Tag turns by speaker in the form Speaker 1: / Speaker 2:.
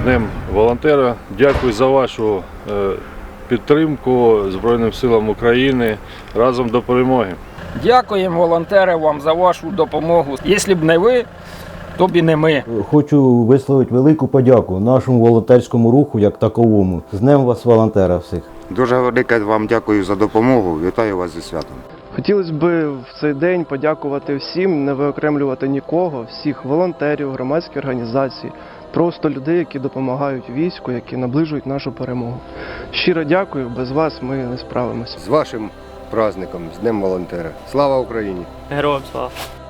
Speaker 1: Днем волонтера. Дякую за вашу підтримку Збройним силам України. Разом до перемоги.
Speaker 2: Дякуємо, волонтери, вам за вашу допомогу. Якщо б не ви, то б і не ми.
Speaker 3: Хочу висловити велику подяку нашому волонтерському руху як таковому. З Днем вас, волонтера, всіх.
Speaker 4: Дуже велике вам дякую за допомогу. Вітаю вас зі святом.
Speaker 5: Хотілося б в цей день подякувати всім, не виокремлювати нікого, всіх волонтерів, громадських організацій, просто людей, які допомагають війську, які наближують нашу перемогу. Щиро дякую, без вас ми не справимося.
Speaker 4: З вашим праздником, з Днем волонтера. Слава Україні!
Speaker 6: Героям слава!